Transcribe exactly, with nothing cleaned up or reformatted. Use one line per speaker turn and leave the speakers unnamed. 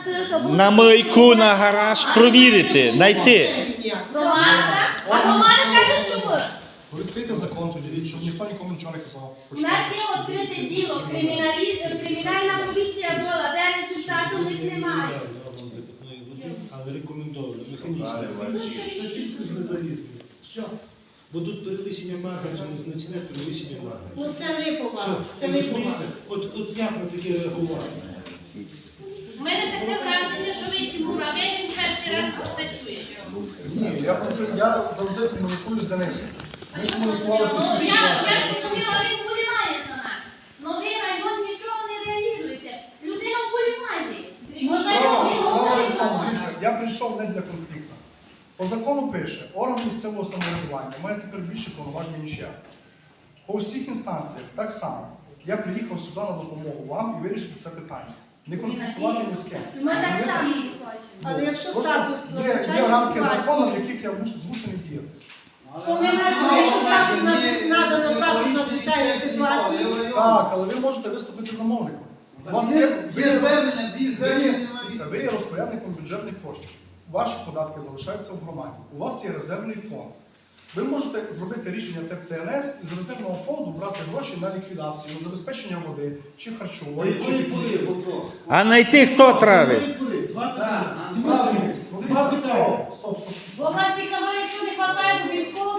на мийку, на гараж провірити, знайти.
Громада? А громада каже, що ми.
Відкрийте закон тоді, щоб ніхто нікому нічого не казав.
У нас є відкрите діло, кримінальна поліція була, де результату в них немає.
Але рекомендовано, механічно. Не залізли. Все. Бо тут перевищення марка, незначне перевищення марка.
Ну це не повага. Це не повага.
От, от як на таке реагувати?
У мене таке враження, що ви Тимур, а ви він перший раз це чуєте.
Ні, я про це я завжди комунікую з Денисом. Ми комунікували про
Ну,
цю
я
ситуацію.
зрозуміла, він вболіває за нас. Новий район нічого не реалізуєте. Людина вболіває. Можна
Справа-
його
справа в тому,
вболівати.
дивіться, я прийшов не для конфлікту. По закону пише, орган місцевого самоврядування має тепер більше повноважень, ніж я. По всіх інстанціях так само. Я приїхав сюди на допомогу вам і вирішити це питання. Не конфліктувати ні з ким.
Ми так самі хочемо.
Але якщо
Просто
статус
є, є
надзвичайної
рамки закону, в
ситуації,
яких я мушу змушений діяти.
то ми маємо, якщо статус надзвич- надано статус надзвичайної ситуації,
Так, але ви можете виступити замовником. У вас є, ви,
Є звернення, дві
ви,
звернення.
це ви є розпорядником бюджетних коштів. Ваші податки залишаються в громаді. У вас є резервний фонд. Ви можете зробити рішення ТЕП ТНС і з резервного фонду брати гроші на ліквідацію, на забезпечення води, чи харчової, чи
Якої були
технічної.
вопрос?
А знайти, хто травить?
Два
Так,
питання.
а,
Тимур Сергійович,
Ну,
два
дивіться,
питання.
Стоп, стоп,
Бо
стоп.
в нас ці казали, якщо не вистачає до військового,